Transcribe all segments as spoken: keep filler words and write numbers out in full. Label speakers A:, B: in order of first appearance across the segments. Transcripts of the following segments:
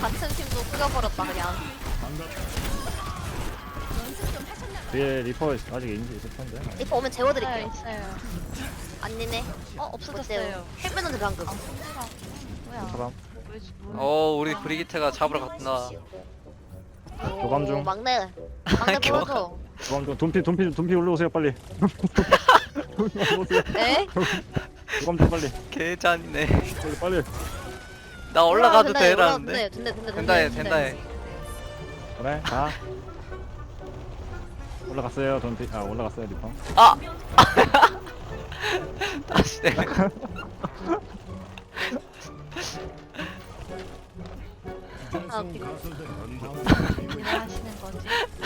A: 같은 팀도 숙여버렸다 그냥.
B: 뒤에 리퍼 아직 있는지 있을 텐데.
A: 리퍼 오면 재워드릴게요.
C: 있어요.
A: 아니네.
C: 어 없어졌어요.
A: 헬멧은 방금.
C: 아 손가락. 뭐야?
B: 사람
C: 뭐지? 뭐?
D: 어 우리 브리기테가 잡으러 갔구나.
B: 교감 중.
A: 오, 막내. 막내
D: 교감.
A: 보여줘.
B: 그럼 좀 돈피 돈피 돈피 올라오세요 빨리. 올라오세요.
A: 에?
B: 교감 좀 빨리.
D: 개잔이네.
B: 빨리 빨리.
D: 나 올라가도
A: 된다, 해,
D: 되라는데.
A: 된다, 된다,
D: 된다 해 된다 해.
B: 그래 가. 올라갔어요 돈피. 아 올라갔어요 리퍼.
D: 아! 다시 내.
A: 아, 웃기다.
C: 일 하시는 거지?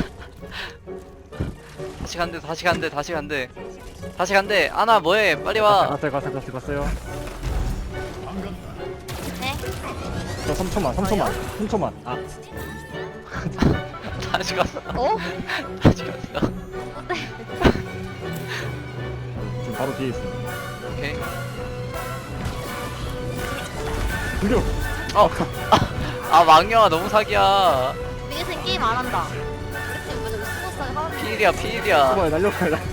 D: 다시 간대 다시 간대 다시 간대. 다시 간대. 아나 뭐해? 빨리 와.
B: 갔어요 갔어요 갔어요 갔어요.
A: 네?
B: 저 삼 초만 삼 초만 삼 초만. 아
D: 다시 갔어.
A: 어?
D: 다시 갔어.
B: 지금 바로 뒤에 있어.
D: 오케이.
B: 공격.
D: 어. 아 망령아 너무 사기야.
A: 미니생 게임 안 한다. 우리 팀 뭐지? 스포츠하게 하는
D: 피일이야 피일이야.
B: 뭐야 날려가 날려.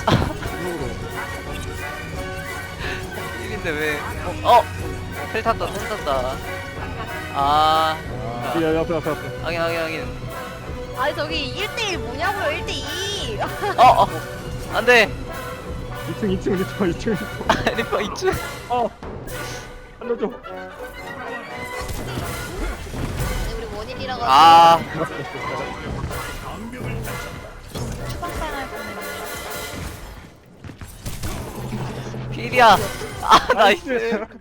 D: 피일인데 왜? 어? 어? 텔 탔다 텔 탔다. 아.
B: 아 뒤에 옆에 옆에 옆에.
D: 확인 확인 확인.
A: 아니 저기 일 대일 뭐냐고요 일 대이.
D: 어 어. 안돼.
B: 이 층 이 층 리퍼 이 층 리퍼.
D: 리퍼 이츠.
B: 어 살려줘.
A: 우리 원인이라고.
D: 아.
C: 추방당할 뻔했네.
D: 피일이야. 아 나이스.